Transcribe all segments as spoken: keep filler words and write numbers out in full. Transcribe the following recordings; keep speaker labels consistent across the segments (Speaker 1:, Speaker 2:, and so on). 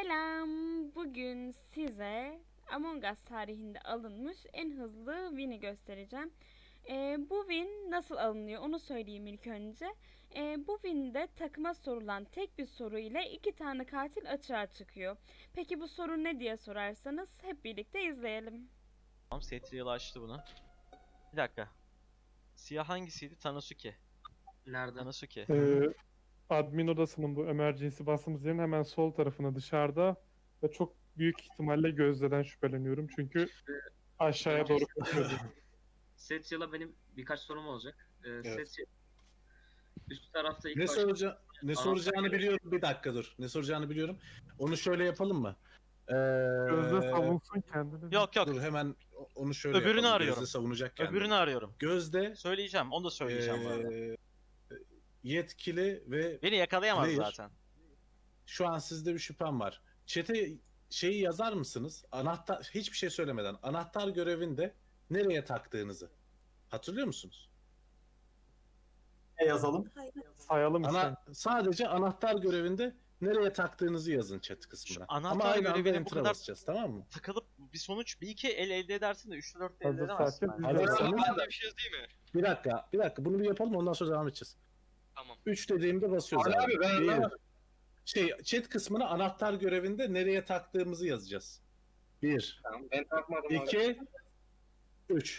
Speaker 1: Selam. Bugün size Among Us tarihinde alınmış en hızlı win'i göstereceğim. Ee, bu win nasıl alınıyor onu söyleyeyim ilk önce. Ee, bu win'de takıma sorulan tek bir soru ile iki tane katil açığa çıkıyor. Peki bu soru ne diye sorarsanız hep birlikte izleyelim.
Speaker 2: Tamam, Setriel açtı bunu. Bir dakika. Siyah hangisiydi? Tanosuke.
Speaker 3: Nerede?
Speaker 2: Tanosuke.
Speaker 4: Ee, admin odasının bu emergency bastığımız yerin hemen sol tarafına dışarıda ve çok büyük ihtimalle Gözde'den şüpheleniyorum çünkü aşağıya doğru koşuyordu.
Speaker 3: Setyal'a benim birkaç sorum olacak. Ee,
Speaker 5: Evet.
Speaker 3: Setya üst tarafta ilk
Speaker 5: Ne
Speaker 3: başta
Speaker 5: soraca ne
Speaker 3: Anahtar
Speaker 5: soracağını
Speaker 3: görevi.
Speaker 5: biliyorum. Bir dakika dur. Ne soracağını biliyorum. Onu şöyle yapalım mı? Ee,
Speaker 4: Gözde savunsun kendini.
Speaker 2: Yok yok.
Speaker 5: Dur hemen onu şöyle
Speaker 2: Öbürünü
Speaker 5: yapalım.
Speaker 2: arıyorum.
Speaker 5: Gözde savunacak kendini.
Speaker 2: Öbürünü arıyorum.
Speaker 5: Gözde
Speaker 2: Söyleyeceğim. Onu da söyleyeceğim bu arada.
Speaker 5: ee, yetkili ve
Speaker 2: Beni yakalayamaz
Speaker 5: player.
Speaker 2: zaten.
Speaker 5: Şu an sizde bir şüphem var. Çete şeyi yazar mısınız? Anahtar hiçbir şey söylemeden anahtar görevinde nereye taktığınızı hatırlıyor musunuz?
Speaker 6: Ne yazalım?
Speaker 4: Sayalım işte.
Speaker 5: Ana, sadece anahtar görevinde nereye taktığınızı yazın chat kısmına.
Speaker 2: Şu anahtar
Speaker 5: Ama aynı anda
Speaker 2: görevine bu
Speaker 5: enter'a
Speaker 2: kadar-
Speaker 5: basacağız, tamam mı?
Speaker 2: Tıkılıp bir sonuç bir iki el elde edersin de üçte dörtte elde
Speaker 4: Hazır
Speaker 2: edemezsin.
Speaker 4: sakin.
Speaker 2: bence.
Speaker 5: Hazırsanız
Speaker 7: Ben bir şey yazayım mı?
Speaker 5: bir dakika, bir dakika bunu bir yapalım ondan sonra devam edeceğiz.
Speaker 7: Tamam.
Speaker 5: üç dediğimde basıyoruz
Speaker 6: Ali
Speaker 5: abi.
Speaker 6: abi, ben
Speaker 5: Bir,
Speaker 6: anlamadım.
Speaker 5: şey chat kısmına anahtar görevinde nereye taktığımızı yazacağız. bir,
Speaker 6: Tamam, ben takmadım abi.
Speaker 5: iki, üç.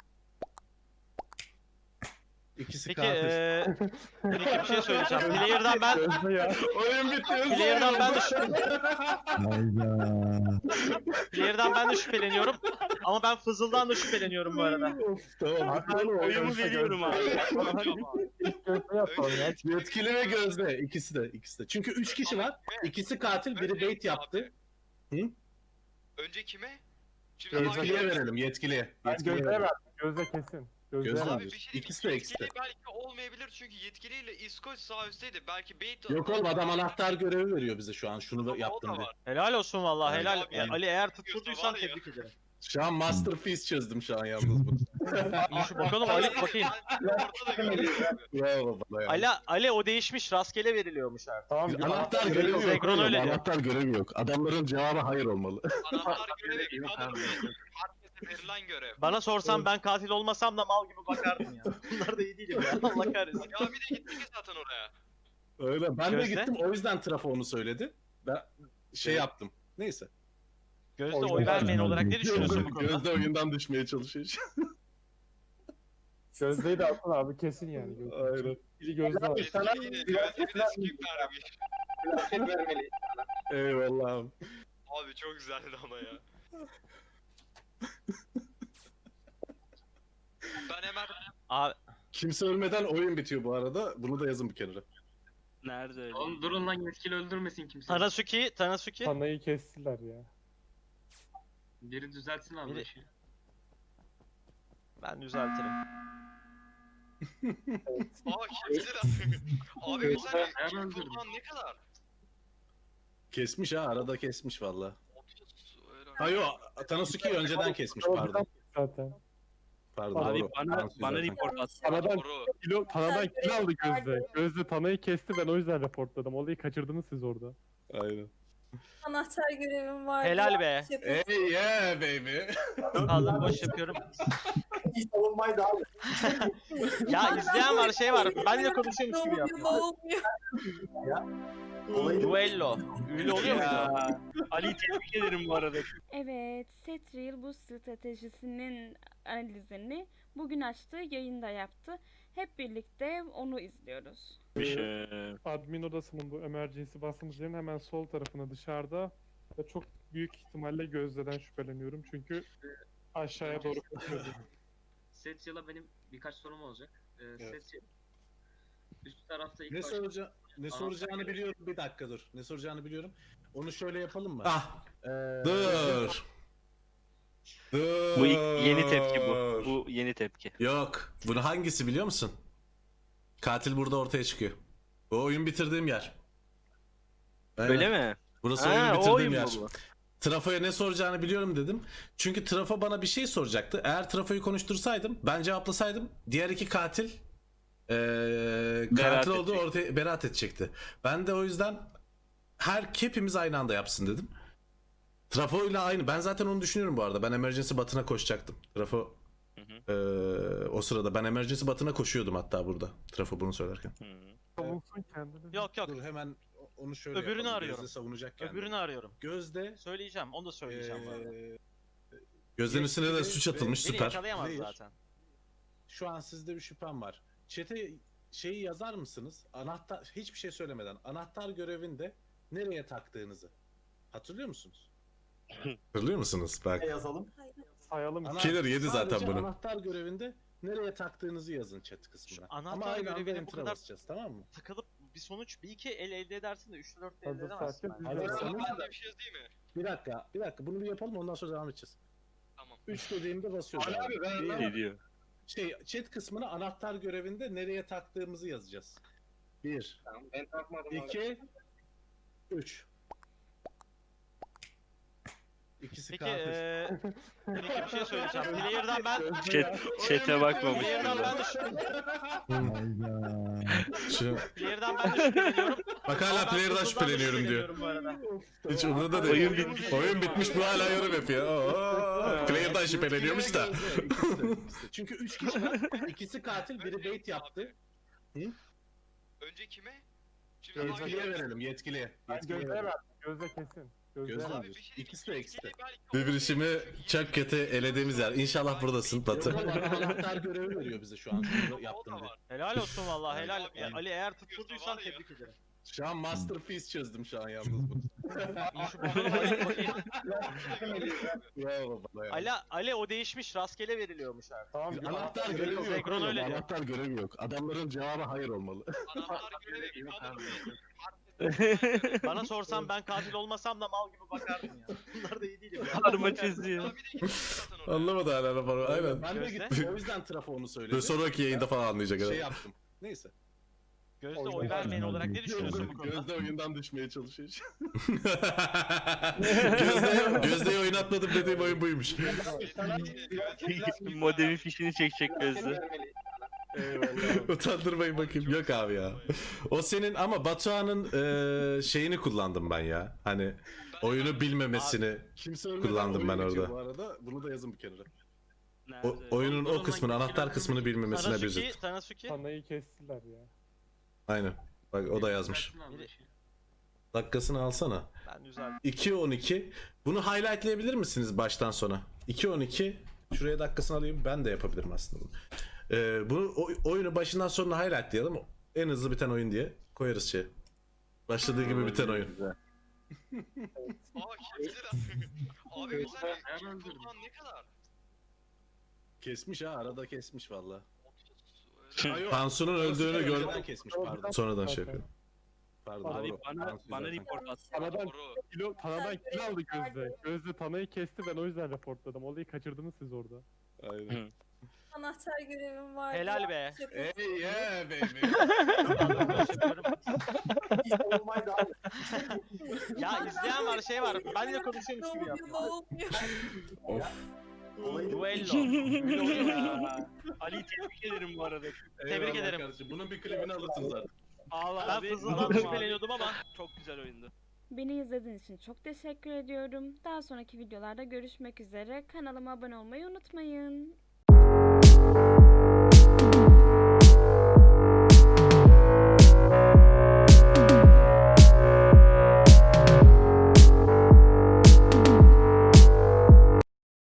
Speaker 5: İkisi
Speaker 2: Peki
Speaker 5: katil.
Speaker 2: eee bir iki bir şey söyleyeceğim. Player'dan ben
Speaker 4: Gözde ya.
Speaker 5: Oyun bitti.
Speaker 2: Player'dan ben de Player'dan ben de şüpheleniyorum. Ama ben Fızıl'dan da şüpheleniyorum bu arada.
Speaker 5: Of, tamam. bitti oğlum,
Speaker 4: Oyumu
Speaker 5: oyun.
Speaker 4: veriyorum abi. İlk Gözde yapalım ya.
Speaker 5: Yetkili ve Gözde ikisi de ikisi de. Çünkü üç kişi var. İkisi katil, biri
Speaker 7: Önce
Speaker 5: bait yaptı.
Speaker 7: Önce kime? Şimdi
Speaker 5: Yetkiliye
Speaker 7: hangi-
Speaker 5: verelim, yetkiliye.
Speaker 4: Ben
Speaker 5: Yetkiliye
Speaker 4: Gözde'ye
Speaker 5: verelim.
Speaker 4: verdim. Gözde kesin. Gözde'ye
Speaker 5: Gözde
Speaker 4: verdim.
Speaker 7: Abi bir şey
Speaker 5: İkisi de,
Speaker 7: diyeyim,
Speaker 5: ikisi de.
Speaker 7: yetkili belki olmayabilir çünkü yetkiliyle İskoç sağ üstteydi. Belki bait...
Speaker 5: Yok oğlum adam anahtar görevi veriyor bize şu an. Şunu da
Speaker 7: Ama o
Speaker 5: yaptım
Speaker 7: da
Speaker 5: diye.
Speaker 7: var.
Speaker 2: Helal olsun vallahi helal.
Speaker 7: Abi,
Speaker 2: Ya, Ali eğer
Speaker 7: var
Speaker 2: tutturduysan
Speaker 7: ya.
Speaker 2: tebrik ederim.
Speaker 5: Şu an masterpiece çözdüm şu an yalnız bunu.
Speaker 2: İyi şu bakalım Ali bakayım.
Speaker 7: Ben orada da görüyorum abi.
Speaker 5: Bravo bana ya.
Speaker 2: Ali, Ali o değişmiş rastgele veriliyormuş artık.
Speaker 4: Tamam.
Speaker 5: Biz
Speaker 4: bir
Speaker 5: anahtar
Speaker 4: görevi
Speaker 5: görevi
Speaker 4: yok.
Speaker 5: yok.
Speaker 2: Zekron
Speaker 5: oğlum,
Speaker 2: öyle diyor.
Speaker 5: Anahtar görevi yok. Adamların cevabı hayır olmalı.
Speaker 7: Anahtar görevi kanun değil. Herkese verilen görev.
Speaker 2: Bana sorsan ben katil olmasam da mal gibi bakardım ya. Bunlar da iyi değilim ya. Allah kahretsin.
Speaker 7: Ya bir de gittik ya zaten oraya.
Speaker 5: Öyle. Ben de
Speaker 2: Gözde?
Speaker 5: gittim o yüzden trafo onu söyledi. Ben şey
Speaker 2: Evet.
Speaker 5: yaptım. Neyse.
Speaker 2: Gözde
Speaker 4: Oyun
Speaker 2: oy vermeyen
Speaker 4: var.
Speaker 2: olarak ne düşünüyorsun bu konuda?
Speaker 5: Gözde oyundan düşmeye çalışıyor.
Speaker 4: Gözde'yi de atın abi kesin yani. Gözde.
Speaker 5: Aynen.
Speaker 4: Biri Gözde var.
Speaker 6: Sana
Speaker 7: Yetkili yine gözleri de skip vermiş.
Speaker 6: Plaket vermeli.
Speaker 5: Eyvallah abi.
Speaker 7: Abi çok güzeldi ama ya. Ben hemen
Speaker 2: Abi
Speaker 5: Kimse ölmeden oyun bitiyor bu arada. Bunu da yazın bir kenara.
Speaker 2: nerede öyle?
Speaker 3: Oğlum durun lan yetkili öldürmesin kimse.
Speaker 2: Tanasuki, Tanasuki.
Speaker 4: Tanayı kestiler ya.
Speaker 3: Biri düzeltsin abi.
Speaker 2: Biri-
Speaker 3: işi.
Speaker 2: Ben düzeltirim.
Speaker 7: Aa kimse de Abi bir saniye.
Speaker 3: Ben
Speaker 7: Kim
Speaker 3: öldürdüm.
Speaker 7: kullan ne kadar?
Speaker 5: Kesmiş ha. Arada kesmiş valla.
Speaker 7: otuz
Speaker 5: Ha yo. Tanasuki'yi önceden kesmiş
Speaker 4: O
Speaker 5: pardon.
Speaker 4: zaten.
Speaker 5: Pardon.
Speaker 4: Abi
Speaker 5: doğru.
Speaker 6: bana-
Speaker 5: Tansu
Speaker 6: bana
Speaker 5: zaten.
Speaker 6: report at.
Speaker 4: Tanadan
Speaker 7: Doğru.
Speaker 4: kilo, Tanadan kilo aldı Gözde. Gözde Tanayı kesti ben o yüzden reportladım. Olayı kaçırdınız siz orada.
Speaker 5: Aynen.
Speaker 8: Anahtar görevim var.
Speaker 2: Helal be.
Speaker 5: Hey yeah baby.
Speaker 2: Kaldım boş yapıyorum.
Speaker 6: İyi savunmaydı abi.
Speaker 2: Ya izleyen var şey var. Ben de konuşuyormuş gibi
Speaker 8: Ne
Speaker 2: yapıyor.
Speaker 8: olmuyor?
Speaker 6: Olayı
Speaker 2: Duello. Öyle oluyor muydu?
Speaker 6: Ali'yi tebrik ederim bu arada.
Speaker 1: Evet, Setriel bu stratejisinin analizini bugün açtığı yayında yaptı. Hep birlikte onu izliyoruz.
Speaker 4: Admin odasının bu emergency bastığımız yerin hemen sol tarafına dışarıda ve çok büyük ihtimalle Gözde'den şüpheleniyorum çünkü aşağıya doğru koşuyordu.
Speaker 3: Setyal'a benim birkaç sorum olacak. Ee,
Speaker 5: Evet.
Speaker 3: Setya üst tarafta ilk
Speaker 5: Ne
Speaker 3: başta
Speaker 5: soraca ne
Speaker 3: Anahtar
Speaker 5: soracağını
Speaker 3: görevi.
Speaker 5: biliyorum. Bir dakika dur. Ne soracağını biliyorum. Onu şöyle yapalım mı?
Speaker 9: Ah,
Speaker 5: Ee,
Speaker 9: dur. Dur.
Speaker 10: Bu ilk- yeni tepki bu. Bu yeni tepki.
Speaker 9: Yok. Bunu hangisi biliyor musun? Katil burada ortaya çıkıyor. Bu oyun bitirdiğim yer. Aynen.
Speaker 10: Öyle mi?
Speaker 9: Burası
Speaker 10: Ha,
Speaker 9: oyun
Speaker 10: o
Speaker 9: bitirdiğim
Speaker 10: oyun mu
Speaker 9: yer.
Speaker 10: bu?
Speaker 9: Trafo'ya ne soracağını biliyorum dedim. Çünkü Trafo bana bir şey soracaktı. Eğer Trafo'yu konuştursaydım, ben cevaplasaydım diğer iki katil eee
Speaker 10: Beraat
Speaker 9: katil olduğu
Speaker 10: edecek.
Speaker 9: ortaya beraat edecekti. Ben de o yüzden her hepimiz aynı anda yapsın dedim. Trafo ile aynı. Ben zaten onu düşünüyorum bu arada. Ben emergency batına koşacaktım. Trafo
Speaker 10: Hı hı.
Speaker 9: eee, o sırada ben emergency batına koşuyordum hatta burada. Trafo bunu söylerken.
Speaker 10: Hı.
Speaker 4: Savunsun kendini.
Speaker 2: Yok yok.
Speaker 5: Dur hemen onu şöyle
Speaker 2: Öbürünü
Speaker 5: yapalım.
Speaker 2: arıyorum.
Speaker 5: Gözde savunacak kendini.
Speaker 2: Öbürünü arıyorum.
Speaker 5: Gözde
Speaker 2: Söyleyeceğim. Onu da söyleyeceğim bu arada.
Speaker 5: eee,
Speaker 9: Gözlerin üstüne de
Speaker 5: Yetkili
Speaker 9: suç
Speaker 5: ve-
Speaker 9: atılmış
Speaker 2: Beni
Speaker 9: süper.
Speaker 2: yakalayamaz
Speaker 5: Player.
Speaker 2: zaten.
Speaker 5: şu an sizde bir şüphem var. Çete şeyi yazar mısınız? Anahtar hiçbir şey söylemeden anahtar görevinde nereye taktığınızı. Hatırlıyor musunuz?
Speaker 9: Hatırlıyor musunuz? Bak.
Speaker 6: Ne yazalım?
Speaker 8: Hayır.
Speaker 4: Sayalım.
Speaker 5: Ana-
Speaker 9: Killer yedi zaten
Speaker 5: sadece
Speaker 9: bunu.
Speaker 5: Anahtar görevinde nereye taktığınızı yazın chat kısmına.
Speaker 2: Şu anahtar
Speaker 5: Ama aynı anda
Speaker 2: görevine bu
Speaker 5: enter'a
Speaker 2: kadar-
Speaker 5: basacağız, tamam mı?
Speaker 2: Takılıp bir sonuç bir iki el elde edersin de üç dört elde
Speaker 4: Hazır
Speaker 2: edemezsin.
Speaker 4: sakin.
Speaker 2: bence.
Speaker 5: Hazırsanız
Speaker 7: Ben de bir şey yazayım mı?
Speaker 5: bir dakika, bir dakika bunu bir yapalım ondan sonra devam edeceğiz.
Speaker 7: Tamam.
Speaker 5: üç dediğimde basıyoruz.
Speaker 6: Ali abi, ben-
Speaker 5: Bir-
Speaker 6: ben-
Speaker 10: Ne diyor?
Speaker 5: Şey, chat kısmına anahtar görevinde nereye taktığımızı yazacağız. bir,
Speaker 6: Tamam, ben takmadım abi.
Speaker 5: iki, üç. İkisi
Speaker 2: Peki
Speaker 5: katil.
Speaker 2: eee peki bir şey söyleyeceğim. Player'dan ben
Speaker 10: Chat, chat'e bakmamış.
Speaker 2: Player'dan ben de
Speaker 9: Şu,
Speaker 2: Player'dan ben de şüpheleniyorum.
Speaker 9: bak hala
Speaker 2: Ama ben
Speaker 9: player'dan
Speaker 2: Google'dan da
Speaker 9: şüpheleniyorum diyor.
Speaker 2: şüpheleniyorum bu arada.
Speaker 9: Hiç umurunda değil.
Speaker 10: Oyun bitmiş.
Speaker 9: Oyun bitmiş bu hala yorum yapıyor. Oo, player'dan şüpheleniyormuş da.
Speaker 5: İkisi de, ikisi de, ikisi de. Çünkü üç kişi var. İkisi katil, biri bait yaptı.
Speaker 7: Önce kime? Şimdi
Speaker 5: Yetkiliye
Speaker 7: hangi-
Speaker 5: verelim, yetkiliye.
Speaker 4: Ben
Speaker 5: Yetkiliye
Speaker 4: Gözde'ye
Speaker 5: verelim.
Speaker 4: ver. Gözde kesin. Gözde'ye
Speaker 5: Gözde
Speaker 4: ver.
Speaker 5: abi.
Speaker 7: Bir şey
Speaker 5: İkisi de ikisi de.
Speaker 7: belki-
Speaker 9: Birbirişimi çok kötü elediğimiz yer. İnşallah buradasın Batı.
Speaker 5: Yok, bana anahtar görevi veriyor bize şu an. Şunu yaptım diye.
Speaker 2: Helal olsun vallahi helal.
Speaker 7: Abi,
Speaker 2: Ya, Ali eğer tutturduysan tebrik ederim.
Speaker 5: Şu an masterpiece çözdüm şu an yalnız bu.
Speaker 2: İyi şu bana bakayım.
Speaker 5: Bravo bana ya.
Speaker 2: Ali, Ali o değişmiş rastgele veriliyormuş artık.
Speaker 4: Tamam.
Speaker 5: Anahtar
Speaker 4: görevi
Speaker 5: görevi yok.
Speaker 2: Zekron
Speaker 5: oğlum,
Speaker 2: öyle diyor.
Speaker 5: Anahtar görevi yok. Adamların cevabı hayır olmalı.
Speaker 7: Anahtar görevi bir kadın değil.
Speaker 2: Bana sorsan ben katil olmasam da mal gibi bakardım ya. Bunlar da iyi değil ya.
Speaker 10: Karma çiziyor.
Speaker 7: Ya bir de gitmiş zaten oraya.
Speaker 9: Anlamadı hala raporu. Aynen.
Speaker 5: Ben de
Speaker 2: Gözde?
Speaker 5: gittim. O yüzden trafonu söyledim.
Speaker 9: Böyle sonraki yayında falan anlayacak
Speaker 5: Şey
Speaker 9: adam.
Speaker 5: yaptım. Neyse.
Speaker 2: Gözde oy vermeyen olarak ne düşünüyorsun bu konuda?
Speaker 5: Gözde oyundan düşmeye çalışıyor.
Speaker 9: Gözde'ye, Gözde'ye oynatmadım dediğim oyun buymuş.
Speaker 10: Modemin fişini çekecek gözü.
Speaker 5: Eyvallah.
Speaker 9: Utandırmayın bakayım. Yok abi ya. O senin ama Batuhan'ın eee, şeyini kullandım ben ya. Hani oyunu bilmemesini.
Speaker 5: Kimse ölmeden
Speaker 9: Kullandım
Speaker 5: oyun
Speaker 9: ben
Speaker 5: bitiyor
Speaker 9: orada.
Speaker 5: Bu arada bunu da yazın bir kenara.
Speaker 9: O, oyunun o kısmını, anahtar kısmını bilmemesine bir
Speaker 2: Tanasuki,
Speaker 9: üzüldüm.
Speaker 2: Tanasuki.
Speaker 4: Tanayı kestiler ya.
Speaker 9: Aynen. Bak o da yazmış. Dakikasını alsana.
Speaker 2: Ben düzeldim.
Speaker 9: iki on iki. Bunu highlightlayabilir misiniz baştan sona? iki on iki. Şuraya dakikasını alayım. Ben de yapabilirim aslında bunu. Ee, bunu o- oyunu başından sonuna highlightlayalım. En hızlı biten oyun diye koyarız şey. Başladığı gibi biten oyun.
Speaker 7: Aa kimseler. Abi mesela kullan ne kadar?
Speaker 5: Kesmiş ha arada kesmiş valla.
Speaker 9: Tansu'nun öldüğünü gör.
Speaker 5: Önceden kesmiş pardon.
Speaker 9: Sonradan şey yapıyor.
Speaker 5: Pardon.
Speaker 4: Abi
Speaker 5: doğru.
Speaker 6: bana-
Speaker 5: Tansu
Speaker 6: bana
Speaker 5: zaten.
Speaker 6: report at.
Speaker 4: Tanadan
Speaker 7: Doğru.
Speaker 4: kilo, Tanadan kilo aldı Gözde. Gözde Tanayı kesti, ben o yüzden reportladım. Olayı kaçırdınız siz orada.
Speaker 5: Aynen.
Speaker 8: Anahtar görevim vardı.
Speaker 2: Helal be.
Speaker 8: Şaka.
Speaker 5: Hey yeah baby.
Speaker 6: Hiç savunmaydı abi.
Speaker 2: Ya izleyen var şey var. Ben de konuşuyormuş gibi
Speaker 8: Ne
Speaker 2: yapıyor.
Speaker 8: olmuyor?
Speaker 9: Of.
Speaker 6: Olayı
Speaker 2: Duello.
Speaker 6: Ali'yi tebrik ederim bu arada.
Speaker 5: Eyvallah
Speaker 2: ederim.
Speaker 5: Kardeşim. Bunun bir klibini alırsın zaten.
Speaker 6: Allah
Speaker 2: Ben
Speaker 6: abi.
Speaker 2: Fızıl'dan
Speaker 6: abi.
Speaker 2: şüpheleniyordum ama
Speaker 6: Çok güzel oyundu.
Speaker 1: Beni izlediğiniz için çok teşekkür ediyorum. Daha sonraki videolarda görüşmek üzere. Kanalıma abone olmayı unutmayın.